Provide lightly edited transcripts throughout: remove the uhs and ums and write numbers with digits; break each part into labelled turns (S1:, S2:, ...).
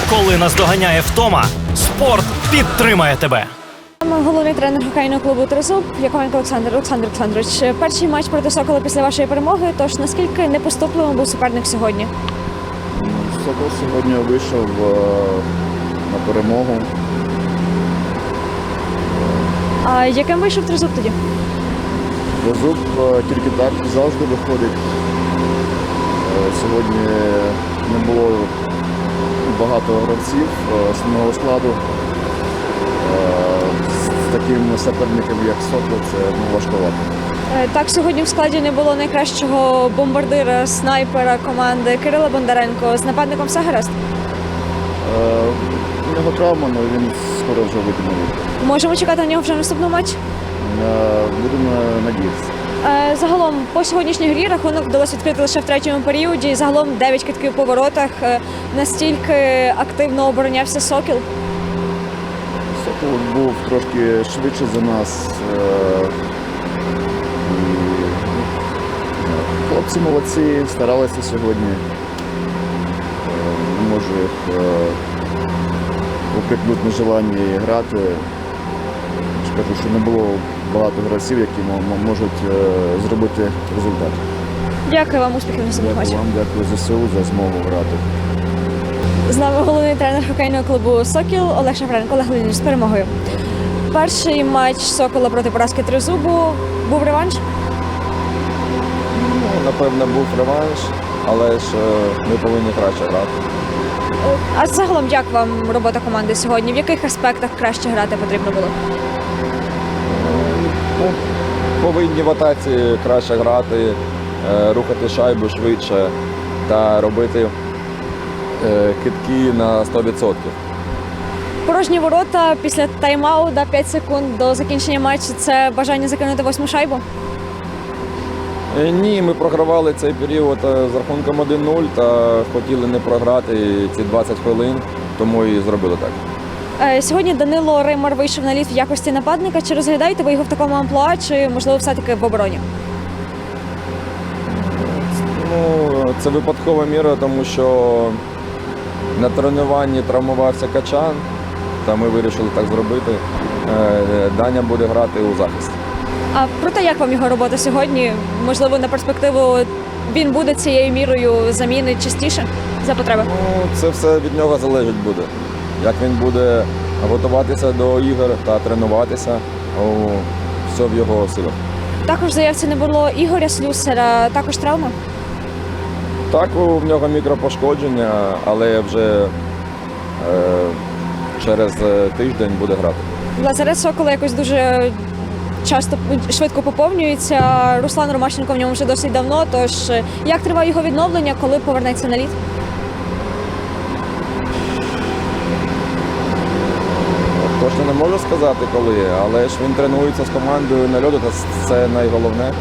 S1: Коли наздоганяє втома, спорт підтримає тебе.
S2: Головний тренер хокейного клубу «Тризуб» Яковенко Олександр Олександрович. Перший матч проти «Сокола» після вашої перемоги, тож наскільки непоступливим був суперник сьогодні?
S3: «Сокол» сьогодні вийшов на перемогу.
S2: А яким вийшов «Тризуб» тоді?
S3: «Тризуб» тільки так завжди виходить. Сьогодні не було багато гравців основного складу. З таким суперником, як «Сокол», це важковато.
S2: Так, сьогодні в складі не було найкращого бомбардира, снайпера команди Кирила Бондаренко. З нападником все гаразд?
S3: У нього травма, але він скоро вже вийде на лід.
S2: Можемо чекати на нього вже в наступному матчі?
S3: Будемо надіятися.
S2: Загалом, по сьогоднішній грі рахунок вдалося відкрити лише в третьому періоді. Загалом 9 китків по воротах. Настільки активно оборонявся «Сокіл».
S3: «Сокол» був трошки швидше за нас. Хлопці молодці, старалися сьогодні. Не можу їх упрекнути на желанні грати. Скажу, що не було багато гравців, які можуть зробити результат.
S2: Дякую вам, успіхів на цьому матчі.
S3: Дякую вам, дякую ЗСУ за змогу грати.
S2: З нами головний тренер хокейного клубу «Сокіл» Олег Шафренко. Олег Леонідович, з перемогою. Перший матч «Сокола» проти поразки «Тризубу». Був реванш?
S4: Напевно, був реванш, але ж ми повинні краще грати.
S2: А загалом, як вам робота команди сьогодні? В яких аспектах краще грати потрібно було?
S4: Повинні в атаці краще грати, рухати шайбу швидше та робити кидки на 100%.
S2: Порожні ворота після тайм-ауту, 5 секунд до закінчення матчу – це бажання закинути 8-му шайбу?
S4: Ні, ми програвали цей період з рахунком 1-0 та хотіли не програти ці 20 хвилин, тому і зробили так.
S2: Сьогодні Данило Римар вийшов на лід в якості нападника. Чи розглядаєте ви його в такому амплуа, чи, можливо, все-таки в обороні?
S4: Це випадкова міра, тому що на тренуванні травмувався Качан, та ми вирішили так зробити. Даня буде грати у захисті.
S2: А проте як вам його робота сьогодні? Можливо, на перспективу він буде цією мірою заміни частіше за потреби?
S4: Це все від нього залежить буде. Як він буде готуватися до ігор та тренуватися, все в його силах.
S2: Також в заявці не було Ігоря Слюсара, також травма?
S4: Так, в нього мікропошкодження, але вже через тиждень буде грати.
S2: Лазарет «Сокола» якось дуже часто швидко поповнюється. Руслан Ромащенко в ньому вже досить давно, тож як триває його відновлення, коли повернеться на лід?
S4: Точно не можу сказати коли, але ж він тренується з командою на льоду, це найголовне.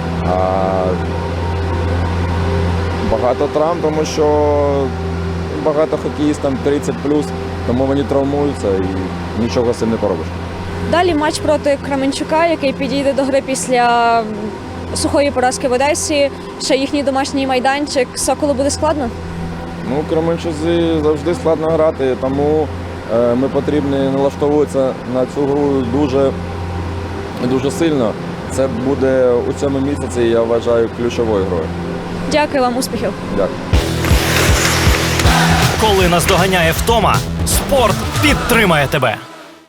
S4: Багато травм, тому що багато хокеїстів 30+, тому вони травмуються і нічого з цим не поробиш.
S2: Далі матч проти Кременчука, який підійде до гри після сухої поразки в Одесі. Ще їхній домашній майданчик. «Соколу» буде складно?
S4: Кременчузі завжди складно грати, тому ми потрібні налаштовуватися на цю гру дуже сильно. Це буде у цьому місяці, я вважаю, ключовою грою.
S2: Дякую вам, успіхів.
S4: Дякую.
S1: Коли наздоганяє втома, спорт підтримає тебе.